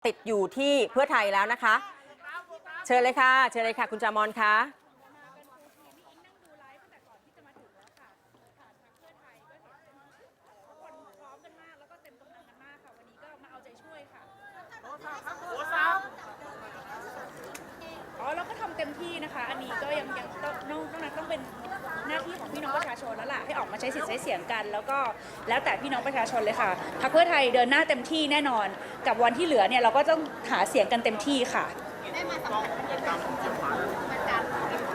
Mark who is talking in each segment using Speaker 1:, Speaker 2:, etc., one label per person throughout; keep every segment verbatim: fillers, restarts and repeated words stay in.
Speaker 1: ติดอยู่ที่เพื่อไทยแล้วนะคะเชิญเลยค่ะเชิญเลยค่ะคุณจามอนคะ
Speaker 2: อ๋อเราก็ทำเต็มที่นะคะอันนี้ก็ยังยังต้องนอกนั้นต้องเป็นหน้าที่ของพี่น้องประชาชนแล้วล่ะให้ออกมาใช้สิทธิ์ใช้เสียงกันแล้วก็แล้วแต่พี่น้องประชาชนเลยค่ะพรรคเพื่อไทยเดินหน้าเต็มที่แน่นอนกับวันที่เหลือเนี่ยเราก็ต้องหาเสียงกันเต็มที่ค่ะได้มาสัมผัสบรรยากาศของการ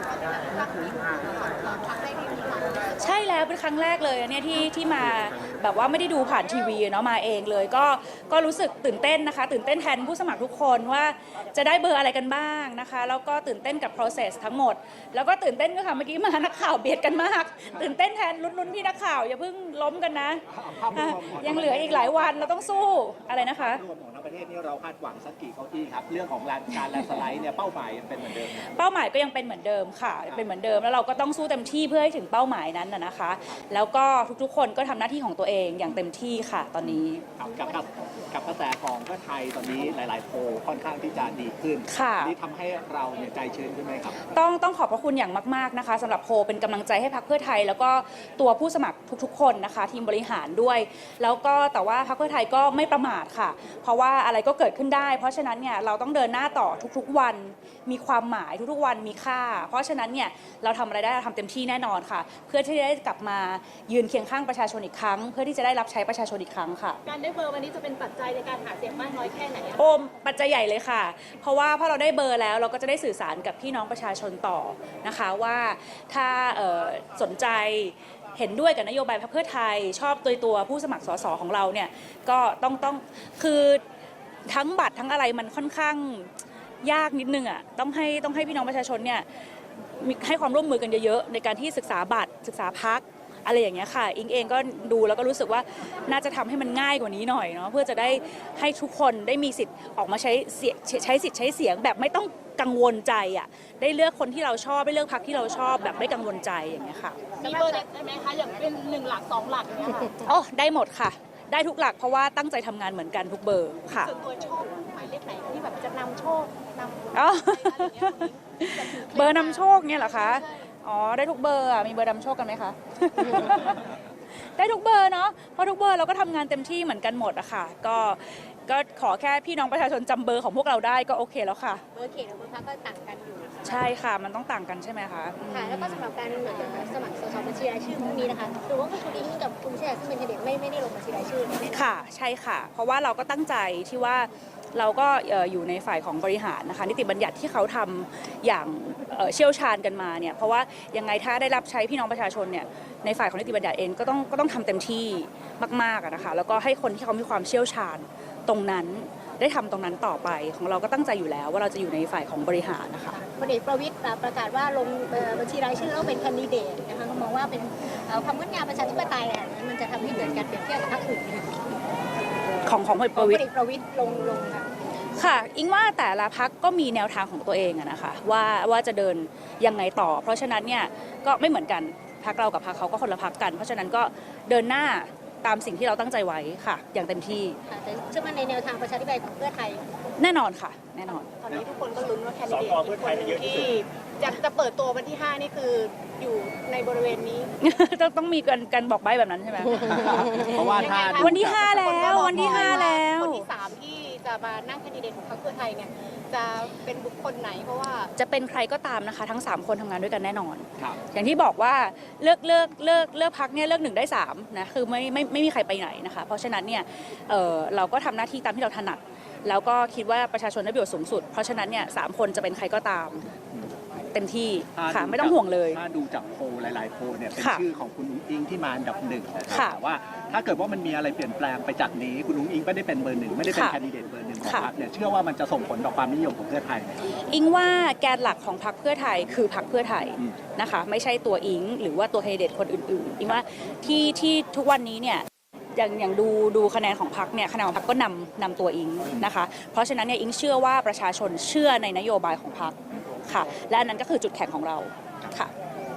Speaker 2: ใช่แล้วเป็นครั้งแรกเลยเนี่ยที่ที่มาแบบว่าไม่ได้ดูผ่านทีวีเนาะมาเองเลยก็ก็รู้สึกตื่นเต้นนะคะตื่นเต้นแทนผู้สมัครทุกคนว่าจะได้เบอร์อะไรกันบ้างนะคะแล้วก็ตื่นเต้นกับ process ทั้งหมดแล้วก็ตื่นเต้นก็ค่ะเมื่อกี้มานักข่าวเบียดกันมากตื่นเต้นแทนลุ้นๆพี่นักข่าวอย่าเพิ่งล้มกันนะยังเหลืออีกหลายวันเราต้องสู้อะไรนะคะ
Speaker 3: รวมของทั้งประเทศนี่เราคาดหวังสักกี่เก้าอี้ครับเรื่องของการแลนด์สไลด์เนี่ยเป้าหมายยังเป็นเหมือนเดิม
Speaker 2: เป้าหมายก็ยังเป็นเหมือนเดิมค่ะเป็นเหมือนเดิมแล้วเราก็ต้องสู้เต็มที่เพื่อให้ถึงเป้าหมายนั้นนะคะแล้วก็ทุกๆคนก็ทำหน้าที่ของตัวเองอย่างเต็มที่ค่ะตอนนี้
Speaker 3: กับกับกับกระแสของเพื่อไทยตอนนี้หลายๆโพลค่อนข้างที่จะดีขึ้นนี่ทำให้เราเนี่ยใจชื้นขึ้นไหมครับ
Speaker 2: ต้องต้องขอบพระคุณอย่างมากๆนะคะสำหรับโพลเป็นกำลังใจให้พรรคเพื่อไทยแล้วก็ตัวผู้สมัครทุกๆคนนะคะทีมบริหารด้วยแล้วก็แต่ว่าพรรคเพื่อไทยก็ไม่ประมาทค่ะเพราะว่าอะไรก็เกิดขึ้นได้เพราะฉะนั้นเนี่ยเราต้องเดินหน้าต่อทุกๆวันมีความหมายทุกๆวันมีค่าเพราะฉะนั้นเนี่ยเราทำอะไรได้เราทำเต็มที่แน่นอนค่ะเพื่อที่จะได้กลับมายืนเคียงข้างประชาชนอีกครั้งเพื่อที่จะได้รับใช้ประชาชนอีกครั้งค่ะ
Speaker 4: การได้เบอร์วันนี้จะเป็นปัจจัยในการหาเสียงมากน้อยแค่ไหน
Speaker 2: โอมปัจจัยใหญ่เลยค่ะเพราะว่าพอเราได้เบอร์แล้วเราก็จะได้สื่อสารกับพี่น้องประชาชนต่อนะคะว่าถ้าสนใจเห็นด้วยกับนโยบายพรรคเพื่อไทยชอบตัวตัวผู้สมัครสสของเราเนี่ยก็ต้องต้องคือทั้งบัตรทั้งอะไรมันค่อนข้างยากนิดนึงอ่ะต้องให้ต้องให้พี่น้องประชาชนเนี่ยให้ความร่วมมือกันเยอะๆในการที่ศึกษาบัตรศึกษาพรรคอะไรอย่างเงี้ยค่ะอิงเองก็ดูแล้วก็รู้สึกว่าน่าจะทำให้มันง่ายกว่านี้หน่อยเนาะเพื่อจะได้ให้ทุกคนได้มีสิทธิ์ออกมาใช้ใช้สิทธิ์ใช้เสียงแบบไม่ต้องกังวลใจอ่ะได้เลือกคนที่เราชอบได้เลือกพรรคที่เราชอบแบบไม่กังวลใจอย่างเงี้ยค่ะ
Speaker 4: มีเบอร์เด็ดได้ไหมคะอย่างเป็นหนึ่งหลักสองหลักอย่างเงี้ยค่ะ
Speaker 2: อ๋อได้หมดค่ะได้ทุกหลักเพราะว่าตั้งใจทำงานเหมือนกันทุกเบอร์ค่ะ
Speaker 4: ส่วนตัวชอบหมายเลขไหนที่แบบจะนำโชคนำ
Speaker 2: อ๋อเบอร์นำโชคเนี่ยเหรอคะอ๋อได้ทุกเบอร์อ่ะมีเบอร์นำโชคกันไหมคะได้ทุกเบอร์เนาะเพราะทุกเบอร์เราก็ทำงานเต็มที่เหมือนกันหมดอะค่ะก็ก็ขอแค่พี่น้องประชาชนจำเบอร์ของพวกเราได้ก็โอเคแล้วค่ะ
Speaker 4: เบอร์เขตกับเบอร์พรรคก็ต่างกันอยู่
Speaker 2: ใช่ค่ะมันต้องต่างกันใช่ไหมคะ
Speaker 4: ค่ะแล้วก็สำหรับการสมัครสสบัญชีรายชื่อพวกนี้นะคะหรือว่าคุณอิงกับคุณเชษซึ่งเป็นแคนดิเดตไม่ไม่ได้ลงบัญชีรายชื่อ
Speaker 2: ค่ะใช่ค่ะเพราะว่าเราก็ตั้งใจที่ว่าเราก็อยู่ในฝ่ายของบริหารนะคะนิติบัญญัติที่เขาทำอย่างเชี่ยวชาญกันมาเนี่ยเพราะว่ายังไงถ้าได้รับใช้พี่น้องประชาชนเนี่ยในฝ่ายของนิติบัญญัติเองก็ต้องก็ต้องทำเต็มที่มากๆนะคะแล้วก็ให้คนที่เขามีความเชี่ยวชาญตรงนั้นได้ทำตรงนั้นต่อไปของเราก็ตั้งใจอยู่แล้วว่าเราจะอยู่ในฝ่ายของบริหารนะคะ
Speaker 4: พลเอกประวิตรประกาศว่าลงบัญชีรายชื่อแล้วเป็นแคนดิเดตนะคะเขามองว่าเป็นความงดงามประชาธิปไตยอ่ะมันจะทำให้เกิดการเปรียบเทียบกับพรรคอื่น
Speaker 2: ของของพลเอกประวิตร
Speaker 4: ประวิตรลงลงค่ะ
Speaker 2: ค่ะอิงว่าแต่ละพรรคก็มีแนวทางของตัวเองนะคะว่าว่าจะเดินยังไงต่อเพราะฉะนั้นเนี่ยก็ไม่เหมือนกันพรรคเรากับพรรคเขาก็คนละพรรคกันเพราะฉะนั้นก็เดินหน้าตามสิ่งที่เราตั้งใจไว้ค่ะอย่างเต็มที่
Speaker 4: ค่ะแต่เชื่อมั่นในแนวทางประชาธิปไตยของเพื่อไทย
Speaker 2: แน่นอนค่ะแน่นอน
Speaker 4: ตอนนี้ทุกคนก็ลุ้นว่าแคนดิเดตอีกคนนึงที่จะจะเปิดตัววันที่ห้านี่คืออยู่ในบริเวณนี้
Speaker 2: ต้องต้องมีการการบอกใบ้แบบนั้นใช่ไหม
Speaker 3: เพราะว่าถ้า
Speaker 2: วันที่ห้าแล้ววันที่ห้าแล้ว
Speaker 4: คนที่สามที่จะมานั่งแคนดิเดตของพรรคเพื่อไทยเนี่ยจะเป็นบุคคลไหนเพราะว่า
Speaker 2: จะเป็นใครก็ตามนะคะทั้งสามคนทำงานด้วยกันแน่นอนอย่างที่บอกว่าเลือกเลือกเลือกเลือกพรรคเนี่ยเลือกหนึ่งได้สามนะคือไม่ไม่ไม่มีใครไปไหนนะคะเพราะฉะนั้นเนี่ยเออเราก็ทำหน้าที่ตามที่เราถนัดแล้วก็คิดว่าประชาชนได้ประโยชน์สูงสุดเพราะฉะนั้นเนี่ยสามคนจะเป็นใครก็ตามเต็มที่ค่ะไม่ต้องห่วงเลย
Speaker 3: ถ้าดูจากโพลหลายๆโพลเนี่ยเป็นชื่อของคุณอุ้งอิงที่มาอันดับหนึ่งแต่ว่าถ้าเกิดว่ามันมีอะไรเปลี่ยนแปลงไปจากนี้คุณอุ้งอิงไม่ได้เป็นเบอร์หนึ่งไม่ได้เป็นแคนดิเดตเบอร์หนึ่งของพรรคเนี่ยเชื่อว่ามันจะส่งผลต่อความนิยมของเพื่อไทย
Speaker 2: อิงว่าแกนหลักของพรรคเพื่อไทยคือพรรคเพื่อไทยนะคะไม่ใช่ตัวอิงหรือว่าตัวแคนดิเดตคนอื่นๆอิงว่าที่ที่ทุกวันนี้เนี่ยอย่างอย่างดูดูคะแนนของพรรคเนี่ยคะแนนของพรรคก็นำนำตัวอิงนะคะเพราะฉะนั้นเนี่ยอิงเชื่อว่าประชาชนเชื่อในนโยบายของพรรคค่ะและอันนั้นก็คือจุดแข็งของเราค่ะ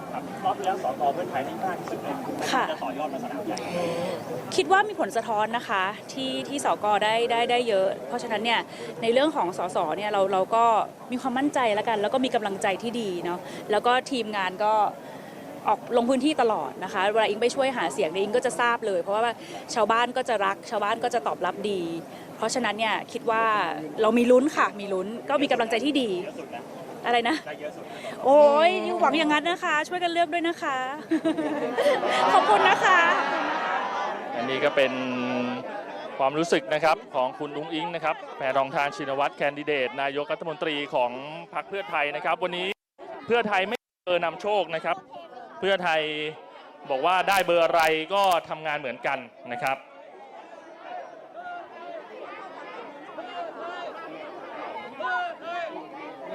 Speaker 5: ครับรอบที่แล้วสกเพื่อไทยได้มากที่สุดเลยจะต่อยอดมาสนามใหญ่
Speaker 2: คิดว่ามีผลสะท้อนนะคะที่ที่สกได้ได้ได้เยอะ เพราะฉะนั้นเนี่ยในเรื่องของสสเนี่ยเราเราก็มีความมั่นใจแล้วกัน แล้วก็มีกำลังใจที่ดีเนาะแล้วก็ทีมงานก็ออกลงพื้นที่ตลอดนะคะเวลาอิงไปช่วยหาเสียงเนี่ยอิงก็จะทราบเลย เพราะว่าชาวบ้านก็จะรักชาวบ้านก็จะตอบรับดี เพราะฉะนั้นเนี่ยคิดว่าเรามีลุ้นค่ะมีลุ้นก็มีกำลังใจที่ดีอะไรนะโอ้ยหวังอย่างนั้นนะคะ ช่วยกันเลือกด้วยนะคะ ขอบคุณนะคะ
Speaker 6: อันนี้ก็เป็นความรู้สึกนะครับของคุณอุ้งอิงนะครับแพทองธารชินวัตรแคนดิเดตนายกรัฐมนตรีของพรรคเพื่อไทยนะครับวันนี้เพื่อไทยไม่เบอร์นำโชคนะครับเพื่อไทยบอกว่าได้เบอร์อะไรก็ทำงานเหมือนกันนะครับ